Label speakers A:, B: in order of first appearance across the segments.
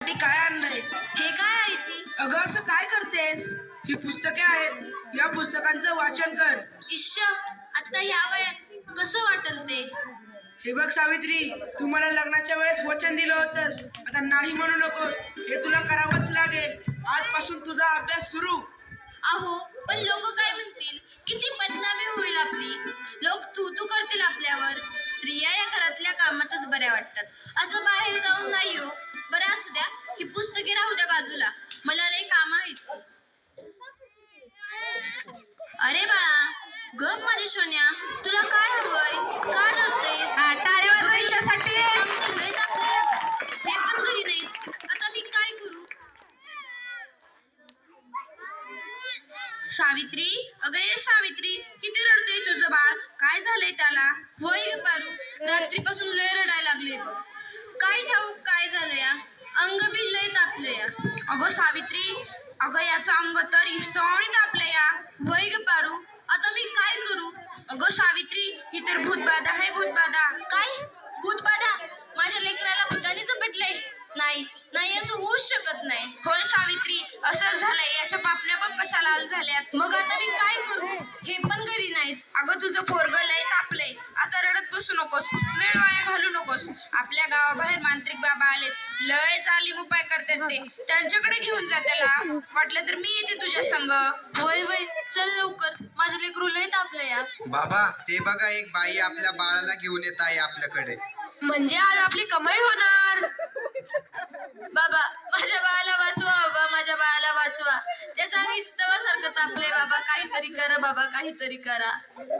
A: तुझ्यासाठी काय आणलंय?
B: हे काय आहे ती?
A: अगं असं काय करतेस? ही पुस्तके आहेत, या पुस्तकांचं वाचन कर.
B: इश्श, आता ह्या वयात कसं वाटल ते?
A: हे बघ सावित्री, तू मला लग्नाच्या वेळेस वचन दिलं होतंस, आता नाही म्हणू नकोस. हे तुला करावंच लागेल. आजपासून तुझा अभ्यास सुरू.
B: अहो, पण लोक काय म्हणतील? किती बदनामी होईल आपली. लोक तू करतील आपल्यावर. स्त्रिया या घरातल्या कामातच बऱ्या वाटतात, असं बाहेर जाऊन नाही हो. बरं असू द्या, ही पुस्तके राहू द्या बाजूला, मला लय काम आहेत. अरे बाळा, गप माझी सोन्या, तुला काय हवंय? का रडतेस?
C: टाळ्या वाजवा हिच्यासाठी.
B: लय तापलंय. हे पण घरी नाहीत, आता मी काय करू? सावित्री, अगं ये सावित्री, किती रडतोय तुझं बाळ? काय झालंय त्याला? होय ग पारू, रात्रीपासून लय रडायला लागले. काय ठाऊक काय झालं या? अंग बी लय तापलं या. अगं सावित्री, अगं याचं अंग तर इस्तवणी तापलं या. होय ग पारू, आता मी काय करू? अगं सावित्री, ही तर भूतबाधा आहे, भूतबाधा. काय भूतबाधा? माझ्या लेकराला भूताने झपटलंय? नाही नाही, असं होऊच शकत नाही. होय सावित्री, असंच झालंय. याच्या पापण्या बघ कशा लाल झाल्यात. मग आता मी काय करू? हे पण घरी नाहीत. अगं तुझं पोरगं लय तापलंय, आता रडत बसू नकोस, वेळ वाया घालू नकोस. आपल्या गावाबाहेर मांत्रिक बाबा आलेत, लय जालीम उपाय करतात ते. त्यांच्याकडे घेऊन जा त्याला. वाटलं तर मी येते तुझ्या संग. होय होय, चल लवकर, माझं लेकरू लय तापलंय या.
D: बाबा, ते बघा, एक बाई आपल्या बाळाला घेऊन येत आहे आपल्याकडे.
C: म्हणजे आज आपली कमाई होणार.
B: बाबा, माझ्या बाळाला वाचवा. बाबा, माझ्या बाळाला वाचवा. त्याचा विस्तवासारखं तापले. बाबा, काहीतरी करा. बाबा, काहीतरी करा.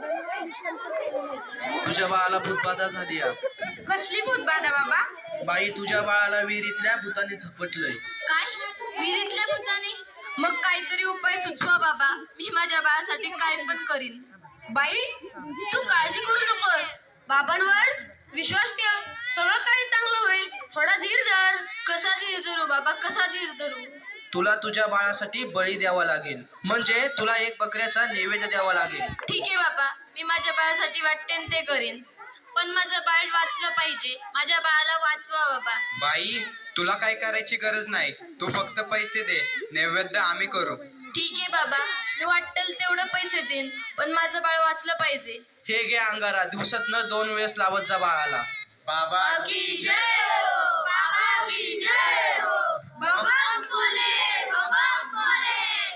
D: तुझ्या बाळाला भूतबाधा झाली या.
B: कसली भूतबाधा बाबा?
D: बाई, तुझ्या बाळाला विहिरीतल्या भूताने झपटलंय.
B: काय? विहिरीतल्या भूताने? मग काहीतरी उपाय सुचवा बाबा, मी माझ्या बाळासाठी काय पण करीन.
C: बाई, तू काळजी करू नकोस. बाबांवर विश्वास ठेव, सगळं काही चांगलं होईल. थोडा धीर धर.
B: कसा धीर धरू बाबा, कसा धीर धरू?
D: तुला तुझ्या बाळासाठी बळी द्यावा लागेल, म्हणजे तुला एक बकऱ्याचा नैवेद्य द्यावा लागेल.
B: ठीक आहे बाबा, मी माझ्या बाळासाठी वाटतेन ते करीन, पण माझं बाळ वाचलं पाहिजे. माझ्या बाळाला वाचवा बाबा.
D: बाई, तुला काय करायची गरज नाही, तू फक्त पैसे दे, नैवेद्य आम्ही करू.
B: ठीक आहे बाबा, मी वाटेल तेवढं पैसे देईन, पण माझं बाळ वाचलं पाहिजे.
D: हे घे अंगारा, दिवसातनं 2 वेळेस लावत जा बाळाला. बाबा
B: की जय हो, बाबा की जय हो. बाबा बोले, बाबा बोले.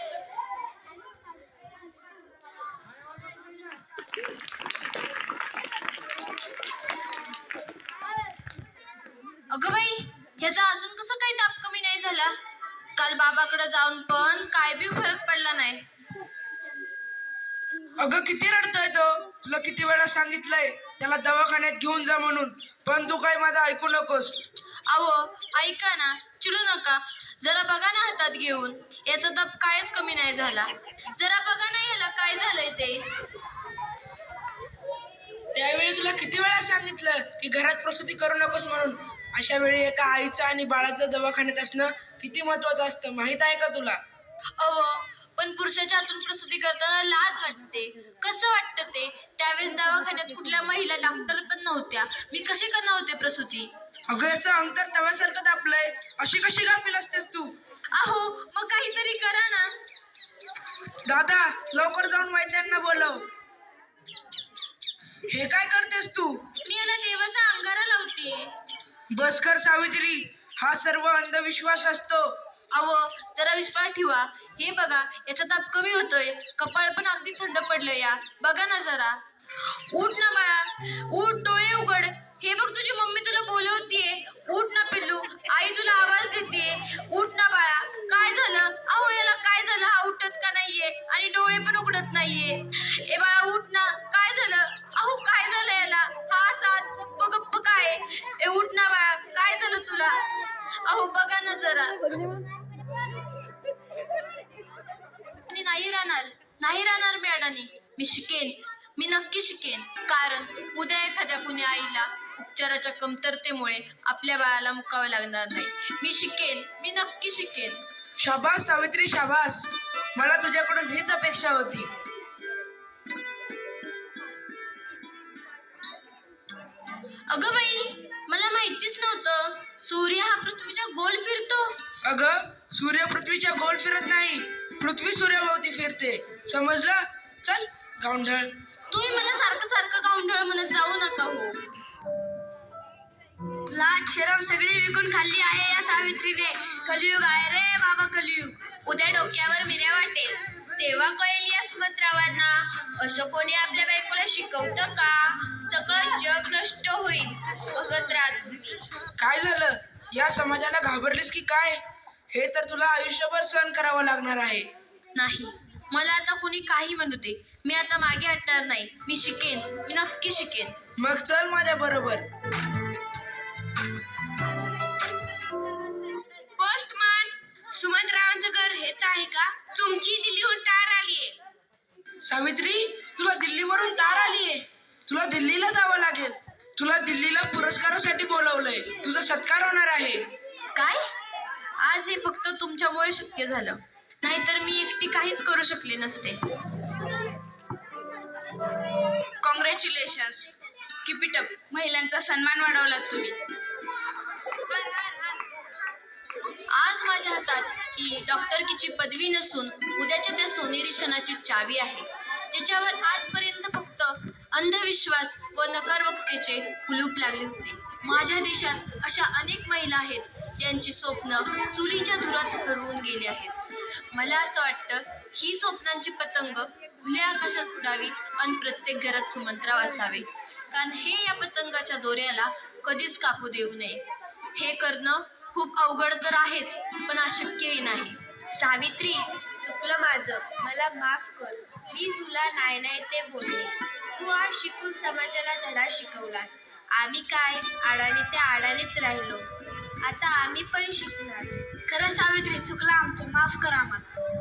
B: अगं बाई, ह्याचा अजून कसं काही ताप कमी नाही झाला? काल बाबाकडे जाऊन पण काय बी फरक पडला नाही.
A: अगं किती रडतोय तो? तुला किती वेळा सांगितलंय त्याला दवाखान्यात घेऊन जा म्हणून, पण तू काय माझं ऐकू नकोस.
B: अहो ऐका ना, चिडू नका. जरा बघा ना हातात घेऊन, याचा ताप कायच कमी नाही झाला. जरा बघा ना याला काय झालंय ते.
A: त्यावेळी तुला किती वेळा सांगितलं की घरात प्रसूती करू नकोस म्हणून. अशा वेळी एका आईचं आणि बाळाचं दवाखान्यात असणं किती महत्वाचं असतं, माहित आहे का तुला?
B: अहो, पण पुरुषाच्या हातून प्रसूती करताना लाज वाटते. कसं वाटतं ते? त्यावेळेस दवाखान्यात कुठल्या महिला डॉक्टर पण नव्हत्या, मी कशी करणार होते प्रसूती?
A: अगं याचं अंतर तव्यासारखं तापलंय, अशी कशी गाफील असतेस तू?
B: अहो, मग काहीतरी करा ना.
A: दादा, लवकर जाऊन वैद्यांना बोलव. हे काय करतेस तू?
B: मी याला देवाचा अंगारा लावतीये.
A: बस कर सावित्री, हा सर्व अंधविश्वास असतो.
B: अहो, जरा विश्वास ठेवा. हे बघा, याचा ताप कमी होतोय, कपाळ पण अगदी थंड पडलं या. बघा ना जरा. उठ ना बाळा, उठ, डोळे उघड. हे बघ, तुझी मम्मी तुला बोलवतीये. उठ ना पिल्लू, आई तुला आवाज देते. उठ ना बाळा. काय झालं? अहो याला काय झालं? हा उठत का नाहीये आणि डोळे पण उघडत नाहीये. ए बाळा उठ ना, काय झालं? अहो काय झालं याला? हा सास गप्प गप्प काय? ए उठ ना बाळा, काय झालं तुला? अहो बघा ना जरा. नाही राहणार मी अडाणी. मी शिकेन, मी नक्की शिकेन. कारण उद्या एखाद्या कुणी आईला उपचाराच्या कमतरतेमुळे आपल्या बाळाला मुकावं लागणार नाही. मी शिकेन, मी नक्की शिकेन.
A: शाबास सावित्री, शाबास. मला तुझ्याकडून हीच अपेक्षा होती.
B: अगं बाई, मला माहितीच नव्हतं सूर्य हा पृथ्वीच्या गोल फिरतो.
A: अगं सूर्य पृथ्वीच्या गोल फिरत नाही, पृथ्वी सूर्याभोवती फिरते. समजलं? चल गावंढळ.
B: तुम्ही मला सारखं सारखं गावंढळ म्हणत जाऊ नका हो.
C: लाट शरम सगळी विकून खाल्ली आहे या सावित्रीने. कलियुग आहे रे बाबा, कलियुग. उद्या डोक्यावर मिऱ्या वाटेल तेव्हा कळेल या सुमंत्रावांना. असं कोणी आपल्या बायकोला शिकवतं का? सगळं जग नष्ट होईल बघत राहा तुम्ही.
A: काय झालं? या समाजाला घाबरलीस की काय? हे तर तुला आयुष्यभर सहन करावं लागणार आहे.
B: नाही, मला आता कुणी काही म्हणू दे, मी आता मागे हटणार नाही. मी शिकेन, मी नक्की शिकेन.
A: मग चल माझ्या बरोबर.
C: पोस्टमन, सुमंतरावांचं घर हेच आहे का? तुमची दिल्लीहून तार आलीये.
A: सावित्री, तुला दिल्लीवरून तार आलीये. तुला दिल्लीला जावं लागेल. तुला दिल्लीला पुरस्कारासाठी बोलवलंय. तुझा सत्कार होणार आहे.
B: काय? आज हे फक्त तुमच्यामुळे शक्य झालं, नाहीतर मी एकटी काहीच करू शकले नसते.
C: कॉंग्रॅच्युलेशन्स. Keep it up. महिलांचा सन्मान वाढवला तुम्ही.
B: आज माझ्या हातात ही डॉक्टरकीची पदवी नसून उद्याच्या त्या सोनेरी क्षणाची चावी आहे, ज्याच्यावर आजपर्यंत फक्त अंधविश्वास व नकारवक्तेचे कुलूप लागले होते. माझ्या देशात अशा अनेक महिला आहेत ज्यांची स्वप्न चुलीच्या धुरात हरवून गेली आहेत. मला असं वाटतं ही स्वप्नांची पतंग खुल्या आकाशात उडावी आणि प्रत्येक घरात सुमंत्राव असावे, कारण हे या पतंगाच्या दोऱ्याला कधीच कापू देऊ नये. हे करणं खूप अवघड तर आहेच, पण अशक्यही नाही.
C: सावित्री, चुकलं माझं, मला माफ कर. मी तुला नाही नाही ते बोलले. तू आज शिकून समाजाला धडा शिकवलास. आम्ही काय आडाने त्या आडानेच राहिलो. आता आम्ही पण शिकणार. खरं सावित्री, चुकलं आमचं, माफ कर आम्हाला.